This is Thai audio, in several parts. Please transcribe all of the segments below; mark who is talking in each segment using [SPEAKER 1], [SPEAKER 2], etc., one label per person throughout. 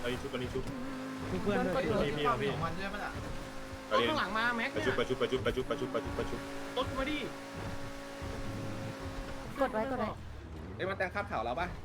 [SPEAKER 1] อันนี้ชุบอันนี้ชุบ
[SPEAKER 2] เพื่อนด้วย
[SPEAKER 1] พี่พี่
[SPEAKER 3] มันใช่ไหมล่ะ
[SPEAKER 1] รถข้างหลังมาแม็กเนี่ยประชุบรถมาดิ
[SPEAKER 4] กดไว้กดไว้
[SPEAKER 5] เอ้ยมันแต่งคาบข่าวเราป่ะ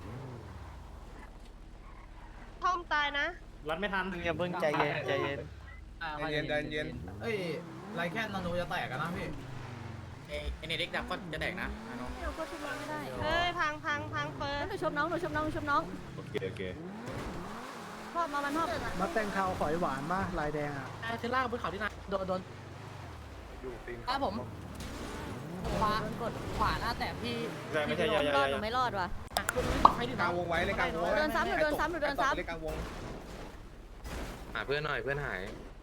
[SPEAKER 6] ท่อมตายนะ
[SPEAKER 2] รัดไม่ทัน
[SPEAKER 7] อย่าเพิ่งใจเย็นใจเย็น
[SPEAKER 5] ใจเย็น
[SPEAKER 3] เอ้ยไรแค่นาโนจะแตกกันนะพี่
[SPEAKER 8] เอเนเด็กดับก็จะแดกนะ
[SPEAKER 4] หนูก็ชุบน้องไม่ได้
[SPEAKER 6] เฮ้ยพังเฟิร์
[SPEAKER 4] หนูชมน้องหนูชมน้องหนูชมน้อง
[SPEAKER 1] โอเค
[SPEAKER 4] พ่อมามันพ่อ
[SPEAKER 2] มาแต่งข่าวฝอยหวานมาลายแดงอ่ะ
[SPEAKER 8] เทล่าบนเขาที่นั่นโดน
[SPEAKER 5] อยู่ตีน
[SPEAKER 8] ครับผมขวา
[SPEAKER 4] โดนกด
[SPEAKER 8] ขวาหน้าแต่พี่
[SPEAKER 1] ไม่ใช่
[SPEAKER 4] รอดหนูไม่รอดว่ะ
[SPEAKER 8] ให้ดู
[SPEAKER 5] กลางวงไว้เลยกลางวง
[SPEAKER 4] โดนซ้ำหนูโดนซ้ำหนูโดนซ้ำ
[SPEAKER 5] เลยกลางวง
[SPEAKER 1] หาเพื่อนหน่อยเพื่อนหาย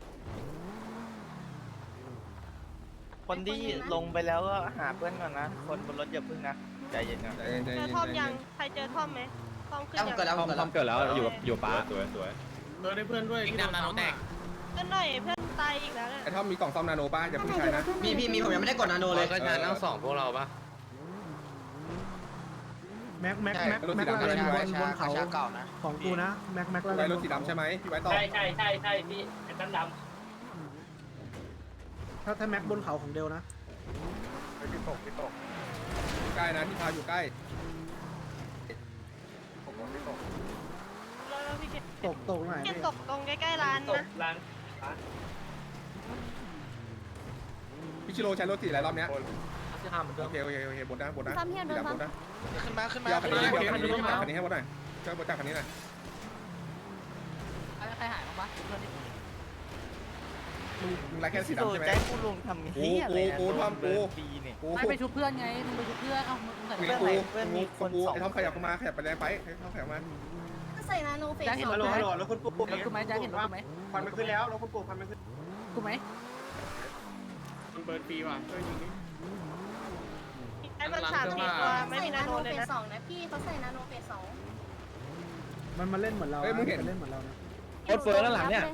[SPEAKER 7] คนที่ลงไปแล้วก็หาเพื่อนก่อนนะคนบนรถอย่าพึ่งนะใจเย็นก่อน
[SPEAKER 5] ใจเย็น
[SPEAKER 6] เจอท่อมยังใครเจอท่อมไหมท่อมขึ้นยัง
[SPEAKER 5] เกิดแล้วอยู่ป้า
[SPEAKER 1] สวย
[SPEAKER 2] ได้เพื่อนด้วย
[SPEAKER 8] อีกดำนาโนแตก
[SPEAKER 6] เพื่อนหน่อยเพื่อนตายอีกแล้วเนี่ย
[SPEAKER 5] ไอ้ท่อมมีกล่องซ่อมนาโนป้าอย่าเพิ่งใช้นะ
[SPEAKER 8] มีผมยังไม่ได้กดนาโนเลย
[SPEAKER 1] ก็งานทั้งสองพวกเราปะ
[SPEAKER 2] แม็กลายบนเขาของกูนะแม็กลาย
[SPEAKER 5] ไว้รถสีดำใช่ไหมพี่ไว้ต่อ
[SPEAKER 8] ใช่พี่ไอ้ดำ
[SPEAKER 2] ถ้าแม็กบนเขาของเดลนะ
[SPEAKER 5] พี่ตกใกล้นะที่พาอยู่ใกล้
[SPEAKER 6] แล้วพี่เคน
[SPEAKER 2] ตกไหน
[SPEAKER 6] ตกตรงใกล้ๆร้านนะ
[SPEAKER 5] พี่ชิโร่ใช้รถสีอะไรรอบเนี้ย
[SPEAKER 8] จะทำ
[SPEAKER 5] โอเคบนนะ
[SPEAKER 4] ซ้ำเฮียโดนซ้ำ
[SPEAKER 8] ขึ้นมา
[SPEAKER 5] เดี๋ยวคันนี้ให้หมดหน่อยช่วยบนจากคันนี้หน่อย
[SPEAKER 8] ใครหายบ้างปะ
[SPEAKER 5] มึงไรแค่สี
[SPEAKER 7] พี่โด
[SPEAKER 5] ดำใช่ไหม
[SPEAKER 7] ใจกูลงทำเฮียอะไรปีเนี่ย
[SPEAKER 5] กู
[SPEAKER 8] ไม่ไปชุบเพื่อนไงมึงไปชุบเพื่อนเอ้ามึงใส่
[SPEAKER 5] ไอ้ท่อมขยับมาขยับไปแดงไปไอ้ท่อมขยับมา
[SPEAKER 4] ใส่นาโนเฟส
[SPEAKER 8] จะเห็น
[SPEAKER 4] สอง
[SPEAKER 8] รถไหมรถคุณปู่รถกูไหมจะเห็นรถกูไหม
[SPEAKER 5] ควันมันขึ้นแล้วรถคุณปู่ควันมันขึ้น
[SPEAKER 8] กูไหม
[SPEAKER 2] มันเบิร์นปีว่ะช่วยยิงนี่
[SPEAKER 6] ไอ้มัน3-4ตัวไม่มีนาโนเลยนะ
[SPEAKER 4] สองนะพี่เขาใส่นาโนเฟสสอง
[SPEAKER 2] มันมาเล่นเหมือนเราเล่นเหมือนเรานะ
[SPEAKER 4] รถเฟิร์นด้านหลังเนี่ย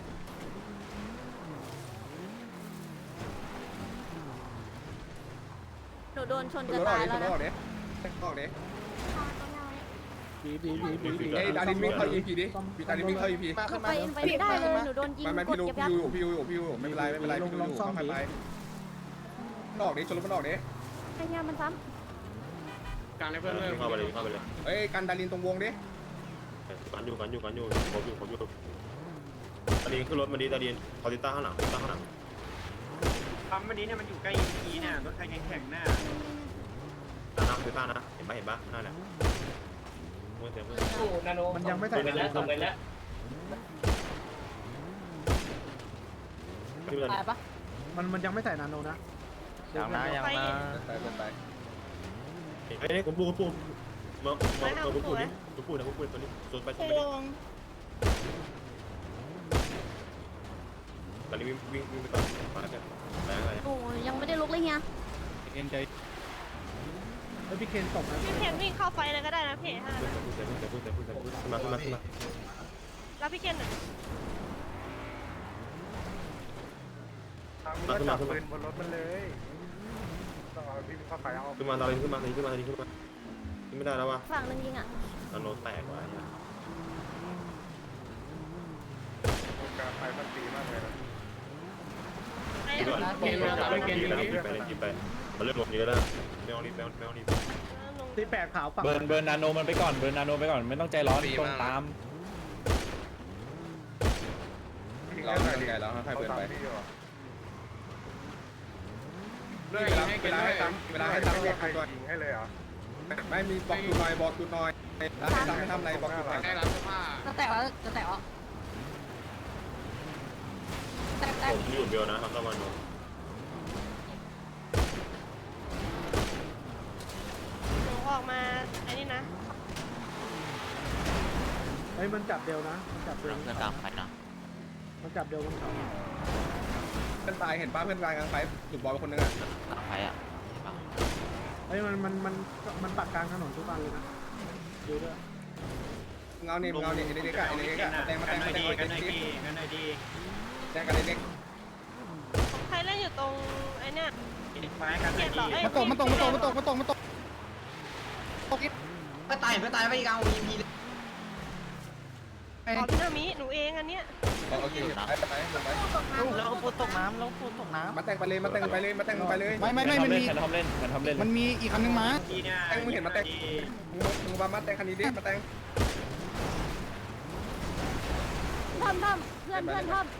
[SPEAKER 4] หนูโดนชนจะตายแล้วนะ
[SPEAKER 5] ออกเด้ออกเด้
[SPEAKER 2] บี
[SPEAKER 5] ไอ้ดารินวิ่งเข้า EP ดิพี่ดารินวิ่งเข้า EP
[SPEAKER 4] ไปไม่ได้เลยหนูโดนยิง
[SPEAKER 5] ไม่
[SPEAKER 4] ก
[SPEAKER 5] พี่
[SPEAKER 4] ด
[SPEAKER 5] รู้
[SPEAKER 4] เก็บยับ
[SPEAKER 5] พี่อยู่ไม่เป็นไรพี่ดูอยู่เข้าไปออกดิชนรถมันออกดิ
[SPEAKER 4] ไอ้เฮียมันซ้
[SPEAKER 2] กลางในเพื่อนเลย
[SPEAKER 1] เข้าไปเลย
[SPEAKER 5] เอ้ยกันดารินตรงวงดิ
[SPEAKER 1] กันอยู่ผมอยู่ตอนนี้ขึ้นรถมาดีตาดีนคอติต้าข้างหลัง
[SPEAKER 2] ปั๊มวันนี้เนี่ยมันอยู่ใกล้ EP เนี่ยรถใครแข่งหน้า
[SPEAKER 1] น้ำคือต้านะเห็นปะนั่นแหละเมื่อเต็ม
[SPEAKER 8] นาโน
[SPEAKER 2] มันยังไม่ใส่
[SPEAKER 8] ส่งไปแล้ว
[SPEAKER 1] ขึ้นเลย
[SPEAKER 8] ตายปะ
[SPEAKER 2] มันยังไม่ใส่นาโนนะ
[SPEAKER 7] อย่างนะอย่างนะ
[SPEAKER 5] ไป
[SPEAKER 1] ไอ้นี่ผมพูดมาพูดนี่พูดตัวนี้ชนไปตอนนี้วิ่งไปต่อมาแล้วกันแรงอะไร
[SPEAKER 4] ำโอ้ยังไม่ได้ลุกเลยเฮีย
[SPEAKER 2] พี่เคนตกนะ
[SPEAKER 6] พี่เคนวิ่งเข้าไฟเลยก็ได้นะพี่ถ้า
[SPEAKER 1] พูดมา
[SPEAKER 6] แล้วพี่เคนหน่อย
[SPEAKER 5] บนรถมันเลยต้องเอาพี่เข้าไปเอา
[SPEAKER 1] ขึ้นมาตอนนี้ขึ้นมาขึ้นไม่ได้แล้ววะ
[SPEAKER 4] ฝั่งนึงยิงอ่ะ
[SPEAKER 1] นาโนแตกว่ะ
[SPEAKER 5] การไฟมันตีมากเลยนะ
[SPEAKER 6] ไอ้
[SPEAKER 1] กินไปมันเริ่มลงเยอะแล้วแมวรีบ
[SPEAKER 2] ตีแปดขาวฝั่ง
[SPEAKER 7] เบิร์นนาโนมันไปก่อนไม่ต้องใจร้อนตรงตาม
[SPEAKER 5] เราไงแล้วให้เปิดไปเวลาให้ตั้งบอกยิงให้เลยเหรอไม่มีบอกจุดหน่อยแล้วให้ตั้งให้ทำอะไรบอกจุดหน่อย
[SPEAKER 8] ได้ร้านเสื้อผ้าจะแตกแล้วแตก
[SPEAKER 1] ผมอยู่เบลนะทำตะวันโน
[SPEAKER 6] หนูออกมาไอ้นี่นะ
[SPEAKER 2] เฮ้ยมันจับเดลนะมันจับเดล
[SPEAKER 8] เพื่อนกลางไปนะ
[SPEAKER 2] มันจับเดลบนเขา
[SPEAKER 5] เพื่อนตายเห็นป้าเพื่อนตายกลางไฟหลุดบอลไปคนนึงอ่ะ
[SPEAKER 8] กลางไปอ่ะ
[SPEAKER 2] เฮ้ยมันปักกลางถนนทุกวันเลยนะดูด้วย
[SPEAKER 5] เงาเนี่ยไอ้เด็กแตงมาแตงแตงกันเด็ก
[SPEAKER 6] ใครเล่นอยู่ตรงไอ้เนี่ย
[SPEAKER 2] ไม้กัน
[SPEAKER 6] เกียรต่อเอ้ย
[SPEAKER 3] มันตกไม่ตายไปอีกเอา EP เลย
[SPEAKER 6] ขอพี่นามิหนูเองอันเนี้ย
[SPEAKER 5] โอเคไปไปไป
[SPEAKER 7] เราพูดตกน้ำเราพูดตกน้ำ
[SPEAKER 5] มาแต่งไปเลยมาแต่งไปเลยมาแต่งไปเลย
[SPEAKER 9] ไม่มันมีมันมีอีกคันนึงมา
[SPEAKER 5] แต่งมึงเห็นมาแต่งมึงมาแต่งคันนี้ดิมาแต่ง
[SPEAKER 4] ทำเพื่อนทำ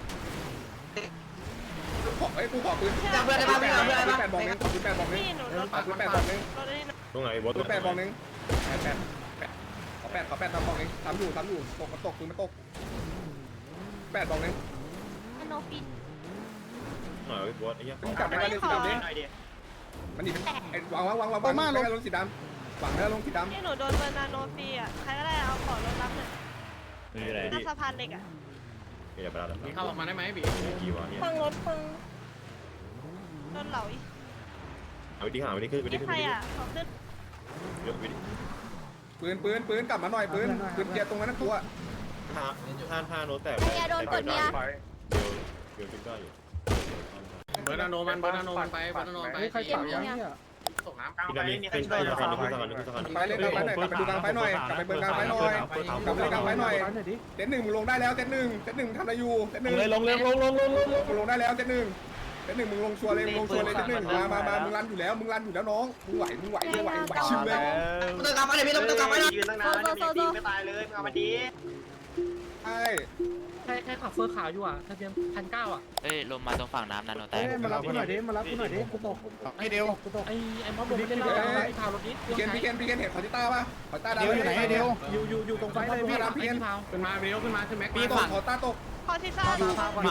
[SPEAKER 5] ขอไอ้กูขอปืนจับเพื่อนได้ป่ะพี่เอาเพื่อนได้ป่ะ8 บอกนึงขอปืน8 บอกนึง
[SPEAKER 6] พี่หนูรถ
[SPEAKER 5] ขอปืน8 บอกนึง
[SPEAKER 6] รถได้นะ
[SPEAKER 1] ตรงไหนบอส
[SPEAKER 5] ปืน8 บอกนึงขอ8ทำบอกนึงทำอยู่ตกมันตกปืนมันตก8 บอกนึง
[SPEAKER 4] โนฟิน
[SPEAKER 1] หน่อยบอสไอ้เหี้ย
[SPEAKER 5] มึงจับได้ไหมเรื่องสีดำดิมันดิวางลงสีดำวางแล้วลงสีดำ
[SPEAKER 6] พี่หนูโดนเบอร์นาโนฟรีอ่ะใครก็ได้เอาขอรถรับหน่อย
[SPEAKER 1] ไม่มีอะไร
[SPEAKER 6] หน้าสะพานเหล็กอ่ะ
[SPEAKER 1] อย่าไปแล้ว
[SPEAKER 3] เข้าออกมาได้ไหมบี
[SPEAKER 1] กี่วะเนี่ย
[SPEAKER 6] ฟังรถฟังโดนเหลาอีก
[SPEAKER 1] เอาวิธีหาวิธีขึ้นวิธี
[SPEAKER 6] นี่
[SPEAKER 1] ขึ้น
[SPEAKER 6] ใครอ่ะขอขึ้น
[SPEAKER 1] เยอะวิธี
[SPEAKER 5] ปืนกลับมาหน่อยปืนเกียร์ตรงนั้นตัว
[SPEAKER 1] ท่าโน้ตแต่
[SPEAKER 4] ไอ้เฮียโดนกดเมีย
[SPEAKER 1] เดี๋ยวจุดได้อยู่
[SPEAKER 3] เบอร์นาโนมันไปเบอร์นาโนไป
[SPEAKER 2] เฮ้ยใครเผาเนี่ย
[SPEAKER 3] ตกน้ำ
[SPEAKER 1] พี่ดามิขึ้นสะพานขึ้นสะพานขึ้นสะพาน
[SPEAKER 5] ไปเล่นกลางไฟหน่อยกลับไปดูกลางไฟหน่อยกลับไปเบิร์กลางไฟหน่อยกลับไปกลางไฟหน่อย
[SPEAKER 2] หน่อยดิ
[SPEAKER 5] เซต1มึงลงได้แล้วเซต1ทำอะไรอยู่เซต1
[SPEAKER 1] เลยลง
[SPEAKER 5] มึงลงได้แล้วเซต1มึงลงชัวร์เลยเซต1มามึงรันอยู่แล้วน้องมึงไหวชิวเลย
[SPEAKER 7] ต้องกลับมาเลยพี่ต้องกลับมาเลย
[SPEAKER 4] ยืนตั้งนานแล้วเนี่ยพี่ไม่ตาย
[SPEAKER 5] ใช่
[SPEAKER 8] ใครขับเฟอร์ขาวอยู่อ่ะทะเบียน1,900อ่ะ
[SPEAKER 7] เอ้ยลงมาตรงฝั่งน้ำนาโนแต
[SPEAKER 2] เฮ้
[SPEAKER 7] ก
[SPEAKER 2] ยมารับกูหน่อยดิกูตก
[SPEAKER 9] ให้เดียว
[SPEAKER 2] กูตก
[SPEAKER 8] ไอ้ม็อบลงไปเล่นแล้วไอ้พาวรถนี้
[SPEAKER 5] พี่เคนเห็นคอติต้าป่ะคอติต้าดาว
[SPEAKER 9] เดียวอยู่ไหนให้เดียว
[SPEAKER 2] อยู่ตรงไฟเลยพี่
[SPEAKER 5] พี่เคน
[SPEAKER 3] ขึ้นมาเบลขึ้นมาขึ้นแม็ก
[SPEAKER 5] พี่คอติต้าตก
[SPEAKER 6] ขอที่ซ่า
[SPEAKER 2] ไม่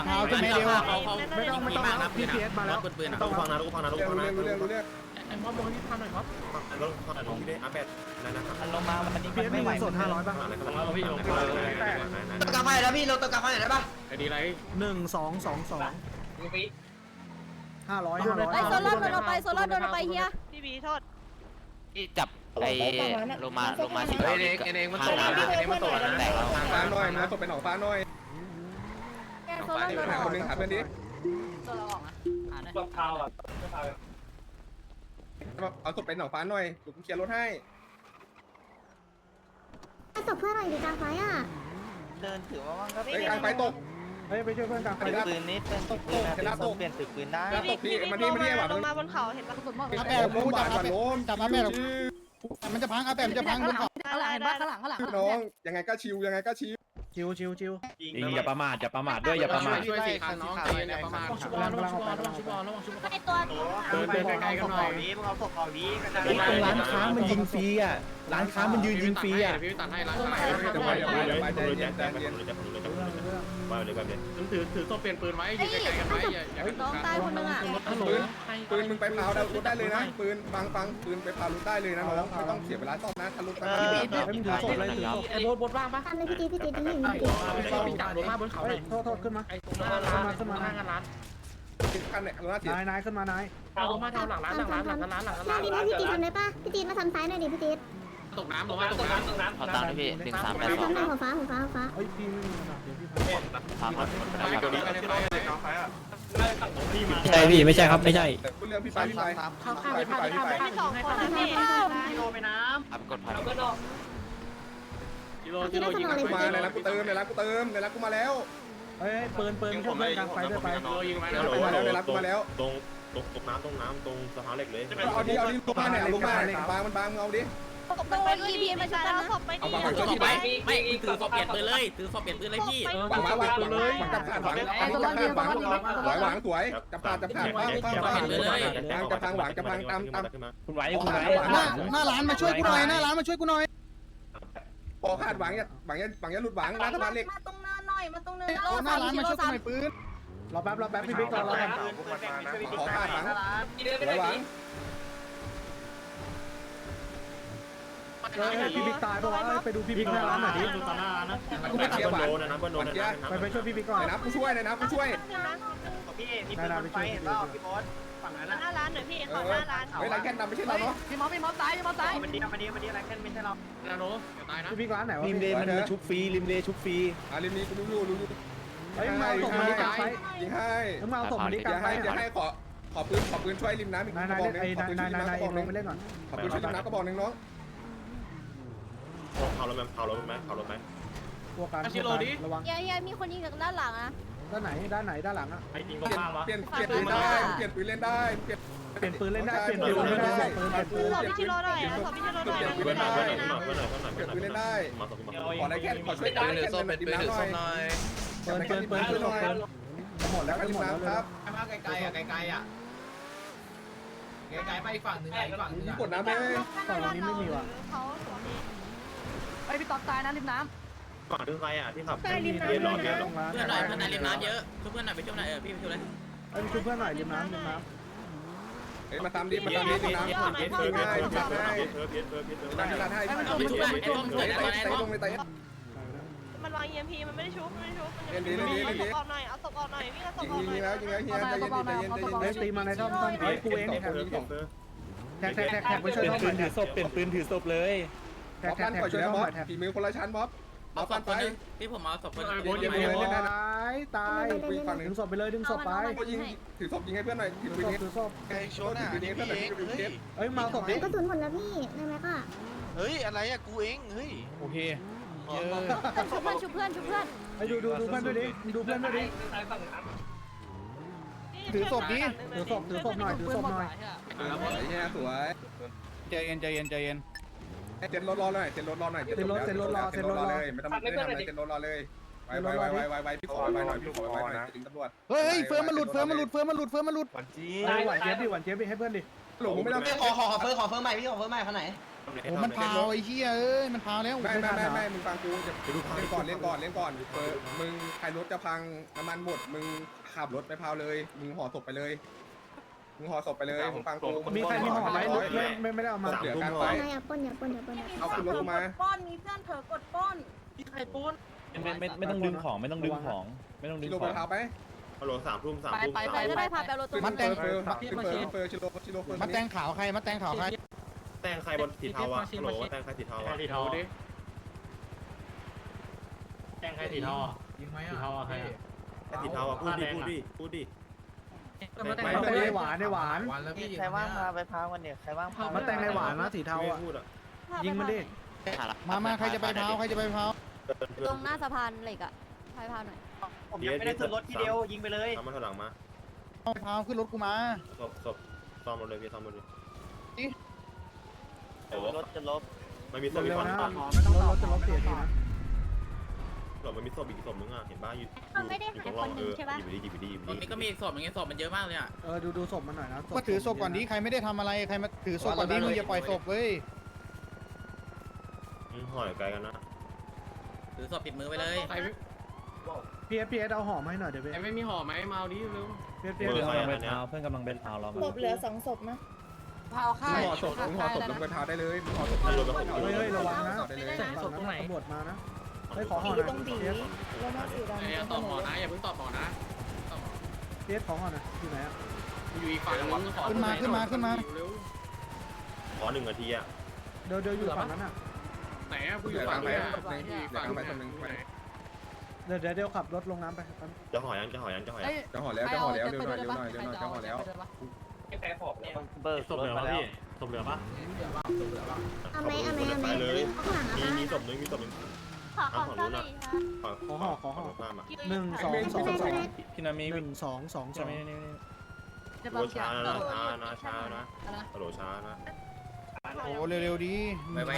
[SPEAKER 2] ต้องพี่เพียสมาแล้ว
[SPEAKER 1] ต้องฟังนะลูกฟังนะลูกฟังนะ
[SPEAKER 5] รู้เรื่อง
[SPEAKER 8] ไอ้ม็อบลงให้พี่พาวหน่อยม็อบ
[SPEAKER 1] แล้วฟังนะลูกพี่ได้อาแปดนั่นนะครับ
[SPEAKER 7] มันลงมาวันนี้
[SPEAKER 2] เพียส
[SPEAKER 7] ไม่
[SPEAKER 2] มี
[SPEAKER 7] ไหว
[SPEAKER 2] เงินสด500ป่ะ
[SPEAKER 7] กลับมาแล้วพี่เราต้องกลับมาไหนได้ปะ
[SPEAKER 3] ไอ้ดีไร
[SPEAKER 2] 1222 500
[SPEAKER 4] ไอ้โซล่าโดนเอาไปเฮีย
[SPEAKER 6] พี่บีโทษ
[SPEAKER 7] ที่จับไอ้ลงมาสี
[SPEAKER 3] เอ้ยเองมันตกนะเองมันตกนะ
[SPEAKER 7] แตกแล้ว
[SPEAKER 5] ฟ้าหน่อยนะตกเป็นหนองฟ้าหน่อย
[SPEAKER 4] โซล่าโดน
[SPEAKER 5] หาคนนึงหาเพื่อนดิ
[SPEAKER 4] ตัวเราออกนะ
[SPEAKER 5] เอาตกเป็นหนองฟ้าหน่อยกูเคลียร์รถให้
[SPEAKER 4] ตบเพื่อนหน่อยดิกลางไฟอ่ะ
[SPEAKER 7] เดินถือว่าว่างก็
[SPEAKER 5] ไอ้กลางไฟตก
[SPEAKER 2] เฮ้ยไปช่วยเพื่อนกลางไฟ
[SPEAKER 7] ปืนนี้เป็นปืนนะเปลี่ยนปืนได้
[SPEAKER 6] พี่บีลงมาบนเขาเห็นปะ
[SPEAKER 4] สุดหมด
[SPEAKER 9] อาแปะกูจับอาแปะจับอาแปะมันจะพังอาแปะมันจะพังบนเขา
[SPEAKER 4] ข้างหลังข้างหลัง
[SPEAKER 5] น้องยังไงก็ชิว
[SPEAKER 2] ชิว
[SPEAKER 10] อย่าประมาทด้วยอย่าประมาท
[SPEAKER 3] ช่วย4คันน้องใจอย่าประมาท
[SPEAKER 8] ชุบอลระวังชุบอลระวังชุบอลระวังชุบอล
[SPEAKER 4] ไอ้ตัว
[SPEAKER 3] เดินไกลๆกันหน่อย
[SPEAKER 10] ตรงร้านค้ามันยิงฟรีอ่ะร้านค้ามันยืนยิงฟรีอ่ะ
[SPEAKER 3] พี่ตัดให้ร้าน
[SPEAKER 5] ใจเย็น
[SPEAKER 1] ว่าเลยแบบนี้
[SPEAKER 3] ถือตัวเปลี่ยนปืนไว้ยืนไกลๆกันไว้อย่า
[SPEAKER 4] น้องตายคนนึงอ่ะ
[SPEAKER 5] ปืนมึงไปพาวรถได้เลยนะปืนฟังปืนไปพาวรถได้เลยนะน้องไม่ต้องเสียเวลาซ่อมนะทะลุไป
[SPEAKER 2] ไม่ถือศพเลยถือศพ
[SPEAKER 8] ไอ้บดว่างปะ
[SPEAKER 4] ทำเลยพี่ตีนี่
[SPEAKER 8] พี่จับรถมาบนเขา
[SPEAKER 2] เฮ้
[SPEAKER 8] เลย ย
[SPEAKER 2] โทษขึ้นมา
[SPEAKER 8] ไอ้ตรงหน้าร้านตรงหน้างานร้าน
[SPEAKER 5] คันเนี่ยรถเสีย
[SPEAKER 2] นายขึ้นมานาย
[SPEAKER 8] เอาลงมาทางหลังร้านหลังร้านหลังร้านหลังร้าน
[SPEAKER 4] พี่ตีทำได้ป่ะพี่ตีมาทำซ้ายหน่อยดิพี่ตี
[SPEAKER 3] ตกน้ำลงมาตกน้ำ
[SPEAKER 7] ขอตามด้วยพี่1382
[SPEAKER 4] ทำได้หัวฟ้า
[SPEAKER 2] เฮ้ยพี่ไม่มีเงินเดี๋ยวพี่
[SPEAKER 7] พาพัน
[SPEAKER 3] ไปกับนี้ไปเลย
[SPEAKER 10] ใช่พี่ไม่ใช่ครับไม่ใช่
[SPEAKER 5] เรื่องพี่ไป
[SPEAKER 8] ข้าวไปพาไปพาไป
[SPEAKER 6] พี่สองคนนะพี่
[SPEAKER 7] อัพกดพัน
[SPEAKER 3] กิโลยิง
[SPEAKER 5] มาในร้านกูเติมในร้านกูมาแล้ว
[SPEAKER 2] เฮ้ยปืนช่วยเพื่อนกลางไฟด้วยไป
[SPEAKER 3] กิโลยิงไว้
[SPEAKER 5] ในร้านกูมาแล้ว
[SPEAKER 1] ตรงน้ำตรงสะพานเหล็กเลย
[SPEAKER 5] เอาดิลงมาเนี่ยลงมาบางมันบางเอาดิ
[SPEAKER 4] โดนอีพีมาชุบกันนะ
[SPEAKER 6] ศพไปดิ
[SPEAKER 8] ไม่ถือฟอเปลี่ยนปืนเลยถือฟอเปลี่ยนปืนเลยพี่
[SPEAKER 5] หวังจับขาดหวังหวังสวยจับขาดจะพังหวังจะพังตาม
[SPEAKER 10] คุณไหว
[SPEAKER 9] หน้าร้านมาช่วยกูหน่อยหน้าร้านมาช่วยกูหน่อย
[SPEAKER 5] พอขาดหวังอย่าหลุดหวังร้านสะพานเหล็ก
[SPEAKER 4] มาตรงเนินหน่อยมาตรงเนิน
[SPEAKER 9] หน้าร้านมาช่วยกูหน่อยปืน
[SPEAKER 2] รอแป๊บพี่บิ๊กรอกัน
[SPEAKER 5] ขอขาดหวังหวัง
[SPEAKER 2] พี่บิ๊กตายปะวะไปดูพี่บิ๊กหน้าร้านหน่อยดิ
[SPEAKER 5] กูไม่เชียร์หวัง
[SPEAKER 1] นะบนโดนนะ
[SPEAKER 2] ไปช่วยพี่บิ๊กก่อน
[SPEAKER 5] นะกูช่วยนะกูช่วย
[SPEAKER 2] นายไปช่วยพี่บิ๊ก
[SPEAKER 6] หน้าร้านหน่อยพี่ขอหน้าร้าน
[SPEAKER 5] เฮ้ยไรแค่นำไม่ใช่เราเนาะ
[SPEAKER 8] พี่ม็อบตาย
[SPEAKER 3] นาโนตายนะ
[SPEAKER 2] พี่บิ๊กร้านไหนวะ
[SPEAKER 10] ริมเลมันชุบฟรีริมเลชุบฟรี
[SPEAKER 5] ริมนี้กูรู้อยู่
[SPEAKER 2] เฮ้ยมาเอาศพมาดิกลางไฟ
[SPEAKER 5] ยิงให้
[SPEAKER 2] มึงมาเอาศพมาดิกลางไฟ
[SPEAKER 5] จะให้ขอปืนช่วยริมน้ำอีก
[SPEAKER 2] นาย
[SPEAKER 5] กระบอกนึง
[SPEAKER 2] ไอ้
[SPEAKER 5] ขอปืนช่วยริมน้ำกระบอกนึง
[SPEAKER 2] ไปเล่นก่อน
[SPEAKER 5] ขอปืนช่วยริมน้ำกระบอกนึงน้อง
[SPEAKER 1] เผารถไหม
[SPEAKER 2] พวกกันระวัง
[SPEAKER 4] เฮียมีคนยิงจากด้านหลังนะ
[SPEAKER 2] ด้านไหนด้านหลังอ่ะ
[SPEAKER 1] ไอ้จริงก็ข้ามวะ
[SPEAKER 5] เปลี่ยนปืนได้เปลี่ยนปืนเล่นได้เปลี่ยน
[SPEAKER 2] เปลี่ยนปืนเล่นได้เปลี่ยนปืนเล่นได้เปลี่ยนปืน
[SPEAKER 6] สอบพี่ชิโร่หน่อยนะสอบพี่ชิโร่หน่อย
[SPEAKER 1] เพื่อนหน่อยเพื่อนหน่อยเพื่อนหน่อยเพื่อนหน่อย
[SPEAKER 5] เปลี่ยนปืนเล่นได้
[SPEAKER 1] มาสองมา
[SPEAKER 5] ขอได้แค่ขอช่วยได้แค่เป็นปืนถือส้มหน่อย
[SPEAKER 2] ปืนหมดแล้วหมดแล้วครับ
[SPEAKER 3] มาไกลๆอ่ะไกลๆอ่ะไกลๆไปอีกฝั่งหนึ่งอีกฝั่งหนึ่ง
[SPEAKER 5] กดน้ำไป
[SPEAKER 2] ฝั่งนี้ไม่มีว่ะ
[SPEAKER 6] เขาสวมนี้
[SPEAKER 8] ไอพี่ต๊อกตายนะริมน้
[SPEAKER 1] ฝั่งถึงใครอ่ะที่ขับ
[SPEAKER 4] ใต้ริมน้ำ
[SPEAKER 1] เรียนร้อนเยอะ
[SPEAKER 2] ลงร้าน
[SPEAKER 3] เพื่อนหน่อยเพื่อนหน่อยริมน้ำเยอะเพื่อนหน่อยไปช่วยหน่อยพี่ไปช่วยเลย
[SPEAKER 2] เอ้ยช่วยเพื่อนหน่อยริมน้ำ
[SPEAKER 5] เฮ้ยมาตามดิมาตามดิน้ำ
[SPEAKER 1] เพี้ยนเพี้ยนเพี้ยนเพี้ยนเพี้ยนเพี้ยนเพี้ยนเพี้ยนเพี้ยน
[SPEAKER 5] ร้านให้ร้านให้
[SPEAKER 3] ไปช่วยไอ้ต้มเกิดตอนไหนต้ม
[SPEAKER 5] ลงในไต
[SPEAKER 6] มันวาง EMP มันไม่ได้ชุบไม่ได้ชุบ
[SPEAKER 5] เล่นดีเล่นดีเล่นดี
[SPEAKER 6] เอาศพออกหน่อยเอาศพออกหน่อยวิ่งเอาศพ
[SPEAKER 5] ยิง
[SPEAKER 6] ออกหน่
[SPEAKER 5] ยิ
[SPEAKER 6] อย
[SPEAKER 5] งแล้วยิงแล้วเฮียใจเย็นใจเย็นใจเย็น
[SPEAKER 2] เฮ้ยตีมาในท่อมเฮ้ยกูเองแท็กไปช่วย
[SPEAKER 10] เปลี่ย
[SPEAKER 2] ท่
[SPEAKER 10] น
[SPEAKER 2] อม
[SPEAKER 10] ปืนถือศพเปลี่ยนปืนถือศพเลย
[SPEAKER 2] แท็
[SPEAKER 5] บ๊อก บ
[SPEAKER 2] แท็
[SPEAKER 5] ปั้
[SPEAKER 2] ก
[SPEAKER 5] นปล่อย
[SPEAKER 2] ช่วย
[SPEAKER 5] แล้ว
[SPEAKER 2] ท่อม
[SPEAKER 5] บ๊
[SPEAKER 2] ห
[SPEAKER 5] อบ
[SPEAKER 2] น่อยแท็ก
[SPEAKER 5] ฝีมือคนละชั้นบ๊อบ
[SPEAKER 3] เอาศพคนนึงพี่ผมเอาศพคนนึง
[SPEAKER 2] ตายดึงศพไปเลยดึงศพไป
[SPEAKER 5] ยิงถือศพยิงให้เพื่อนหน่อยถือปืนนี้
[SPEAKER 2] ถือศพ
[SPEAKER 5] ไอ้โชว์ถือปืนนี้เพื่อนหน่อยถือปืนนี้
[SPEAKER 2] เอ้ยมาศพดิ
[SPEAKER 4] กระสุนหมดแล้วพี่ได้ไหมก็
[SPEAKER 7] เฮ้ยอะไรอะกูเองเฮ้ย
[SPEAKER 9] โอเคเยอะ
[SPEAKER 4] ชุบเพื่อนชุบเพื่อนชุบเพื่อน
[SPEAKER 2] ไอ้ดูเพื่อนด้วยดิดูเพื่อนด้วยดิ ถือศพหน่อยถือศพหน่อย
[SPEAKER 5] ไอ้เฮียสวย
[SPEAKER 9] ใจเย็นใจเย็นใจเย็น
[SPEAKER 5] เซ็นรถรอหน่อยเซ็นรถรอหน่อยเลยไม่ต้องไม่ทำอะไรเซ็นรถรอเลยไวพี่ขอไวหน่อยพี่ขอไวหน่อยถึงตำรวจ
[SPEAKER 9] เฮ้ยเฟิร์มมันหลุดเฟิร์มมันหลุดเฟิร์มมันหลุดเฟิร์มมันหลุด
[SPEAKER 10] หวานจี
[SPEAKER 2] หวานเจี๊ยบดิให้เพื่อนดิ
[SPEAKER 5] หลงไม่ต้อง
[SPEAKER 7] ขอเฟิร์มใหม่พี่ขอเฟิร์มใหม่คนไหน
[SPEAKER 9] โอ้มันพาวไอ้เหี้ยเอ้ยมันพาวแล้ว
[SPEAKER 5] ไม่มึงฟังกูจะเล่นก่อนมึงใครรถจะพังน้ำมันหมดมึงขับรถไปพาวเลยมึงห่อศพไปเลยมึงห่อศพไปเลยมึงฟังกู
[SPEAKER 2] มีใครมีห่อไหมไม่ได้เอามา
[SPEAKER 5] เหลือกลางไป
[SPEAKER 4] อย่าปนอย่าปนอย่าปน
[SPEAKER 5] เอาขึ้นรถมา
[SPEAKER 4] ป้อนมีเพื่อนเผลอกดป้น
[SPEAKER 10] ไม่ต้องดึงของไม่ต้องดึงของไม่ต้องดึ
[SPEAKER 5] ชิ
[SPEAKER 10] ง
[SPEAKER 5] โร่
[SPEAKER 10] ข
[SPEAKER 5] ไป
[SPEAKER 10] อง
[SPEAKER 5] พาไป
[SPEAKER 1] ฮัลโหล3 ทุ่ม
[SPEAKER 4] ไปก็ได้พาไปรถตู้
[SPEAKER 9] มัดแตง
[SPEAKER 5] เฟอร์ชิโร่
[SPEAKER 9] มัดแตงขาวใครมัดแตงขาวใคร
[SPEAKER 1] แตงใครบนสีเทาอ่ะฮัลโหลแตงใครสีเทาอ่ะ
[SPEAKER 3] สีเทาดิ
[SPEAKER 8] ำแกงใครสีทอ
[SPEAKER 3] ยิงไหมอ่ะสีเทาอ่ะใคร
[SPEAKER 1] สีเทาอ่ะพูดดิ
[SPEAKER 2] ในหวาน
[SPEAKER 3] วันแล้วพี่
[SPEAKER 7] ใครว่างมาไปพาวันเดียวใครว่างพา
[SPEAKER 2] มาแต่งในหวานนะสีเทาอ่ะ
[SPEAKER 1] พูดอ่ะ
[SPEAKER 2] ยิงมันดิ
[SPEAKER 9] มาใครจะไปพาวใครจะไปพาว
[SPEAKER 4] ตรงหน้าสะพานเหล็กอ่ะพายพาหน่อย
[SPEAKER 7] ผมยังไม่ได้ขึ้นรถทีเดียวยิงไปเลย
[SPEAKER 1] ทำมาถอยหลังมา
[SPEAKER 9] พาวขึ้นรถกูมา
[SPEAKER 1] ศพซ่อมรถเลยพี่ซ่อมรถเลย
[SPEAKER 7] รถจะลบ
[SPEAKER 1] มันมีศพอี
[SPEAKER 2] เร็
[SPEAKER 1] ก
[SPEAKER 2] ว
[SPEAKER 1] ฝั่ง
[SPEAKER 2] นะรถจะลบเสียทีนะ
[SPEAKER 1] หรอมันมีศพอีกศพนึงอ่ะเห็นบ้าอยู่
[SPEAKER 4] เขาไม่ได้หายคนหนึ่งใช่ปะ
[SPEAKER 1] หยิบไปดิ
[SPEAKER 3] ตรงนี้ก็มีศพอย่างเงี้ยศพมันเยอะมากเลยอ่ะ
[SPEAKER 2] ดูศพมันหน่อยนะ
[SPEAKER 9] มาถือศพก่อนนี้ใครไม่ได้ทำอะไรใครมาถือศพก่อนนี้มึงอย่าปล่อยศพเว้ย
[SPEAKER 1] ห่อยไกลกันนะ
[SPEAKER 3] ถือศพติดมือไปเลยใคร
[SPEAKER 2] พีเอสเอาห่อมาให้หน่อยเดี๋ยว
[SPEAKER 3] ไม่มีห่อไหมเมาดิเร็ว
[SPEAKER 2] พีเอส
[SPEAKER 10] เพื่อนกำลังไปพาวเพื่อนกำลังไปพาวเรา
[SPEAKER 4] ศพเหลือ2ศพนะ
[SPEAKER 5] มึงห่อศพลงไปพาได้เลยมึงห่อศพ
[SPEAKER 2] เฮ้ยระวังนะ
[SPEAKER 5] ได้เลย
[SPEAKER 2] ศพตรงไหนตำรวจมานะเฮ้ยขอห่อหน่อยพีเอส
[SPEAKER 4] แล้วมาสีดำ
[SPEAKER 3] อย่าตอบหมอนะอย่าเพิ่งตอบหมอนะ
[SPEAKER 2] พีเอสขอห่อหน่อยอยู่ไหนอ่ะ
[SPEAKER 3] อยู่อีกฝั่งนึงขอ
[SPEAKER 9] ขึ้นมา
[SPEAKER 3] เร็ว
[SPEAKER 1] ขอ1 นาทีอ่ะ
[SPEAKER 2] เดี๋ยวอยู่ฝั่งนั้นอ่ะ
[SPEAKER 3] ไหนอ่ะกูอยู่ฝั่งไหนฝั่งไหน
[SPEAKER 2] เดี๋ยวขับรถลงน้ำไป
[SPEAKER 1] จะห่อยัง
[SPEAKER 5] จะห่อแล้วเร็วหน่อยจะห่อแล้ว
[SPEAKER 7] เบิกรถมาแล้ว
[SPEAKER 1] ศพเหลือปะ
[SPEAKER 4] เอาไหมข้างหลัง
[SPEAKER 1] มีศพนึง
[SPEAKER 4] ขอของซ่อมหน่อยค่ะ
[SPEAKER 2] ขอห่อ
[SPEAKER 1] ข้ามอ่ะ
[SPEAKER 2] 1 2
[SPEAKER 10] พี่นามี
[SPEAKER 2] 2 1 2 2 2
[SPEAKER 1] โอ้ช้านะฮัลโหลช้านะ
[SPEAKER 9] โอ้เร็วๆดี
[SPEAKER 2] 2พี่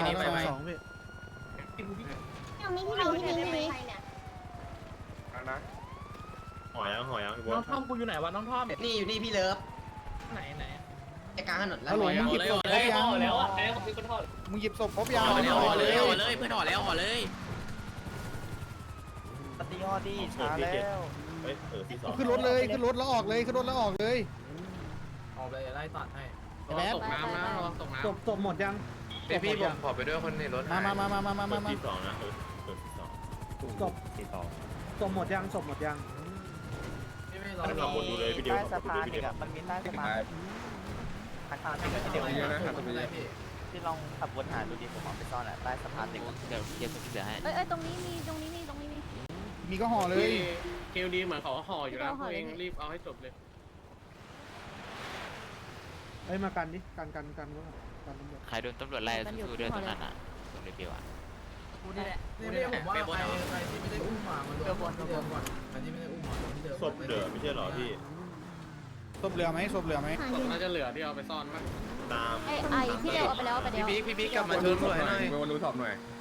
[SPEAKER 4] ยังไม่ที่ไหน
[SPEAKER 5] นะ
[SPEAKER 1] ห่อยังพี่บอ
[SPEAKER 8] น้
[SPEAKER 1] ล
[SPEAKER 8] องท่อมกูอยู่ไหนวะน้องท่อม
[SPEAKER 7] นี่อยู่นี่พี่เลิฟ
[SPEAKER 8] ไหน
[SPEAKER 7] ไอ้กลางถนนแล้ว
[SPEAKER 9] ฮัลโหลมึงหยิบศพครบยังมึงหยิบศพครบยัง
[SPEAKER 3] ห่อเลยเพื่อนห่อเลย
[SPEAKER 7] ปฏิยอดีช้าแล้ว
[SPEAKER 1] เฮ้ยที่2
[SPEAKER 9] ขึ้นรถเลยขึ้นรถแล้วออกเลยขึ้นรถแล้วออกเลย
[SPEAKER 3] ออกเลยไล่ตัดให้
[SPEAKER 7] ตกน้ำนะระวังตกน้ำ
[SPEAKER 2] ศพหมดยัง
[SPEAKER 3] พี่ผมขอไปด้วยคนในรถ
[SPEAKER 9] มา
[SPEAKER 1] ที่2นะที่2
[SPEAKER 2] ศพ
[SPEAKER 10] สีทอง
[SPEAKER 2] ศพหมดยังศพหมดยัง
[SPEAKER 1] ขับวนดูเลยพี่เดียว
[SPEAKER 7] ใต้สะพานอีกอ่ะมันมีใต้สะพานทางทางที่เดี๋ยว
[SPEAKER 5] เยอะนะครับตรงนี้
[SPEAKER 7] ที่ลองขับวนหาดูดิผมเอาไปซ่อนอ่ะใต้สะพานเด็กเดี๋ยวเกียร์เดี๋ยวให้
[SPEAKER 4] เอ้ยตรงนี้มี
[SPEAKER 9] มีก็ห่อเลย
[SPEAKER 3] เคลดีเหมือนเขาห่ออยู่แล้วเองรีบเอาให้จบเลย
[SPEAKER 2] เอ้ยมากันดิกันก็กันตำรวจ
[SPEAKER 11] ใครโดนตำรวจไล่สู้ๆด้วยตรงนั้นอ่ะตรงเรเบลอ่ะ
[SPEAKER 2] นี่ไม่ผมว่าใครที่ไม่ได้อุ้มมามันเดิมก่อนอันที่ไม่ได้อุ้มมาที่เดิม
[SPEAKER 1] ศพเหลือไม่ใช่เหรอพี่
[SPEAKER 9] ศพเหลือไหมศพเหลือไหม
[SPEAKER 3] ศพน่าจะเหลือที่เอาไปซ่อนมั้ง
[SPEAKER 1] ตาม
[SPEAKER 4] ไอ้ที่เดียวเอาไปแล้วเอาไปแล้ว
[SPEAKER 5] พี่บิ๊กกลับมาช่วยหน่อยมาดูสอบหน่อย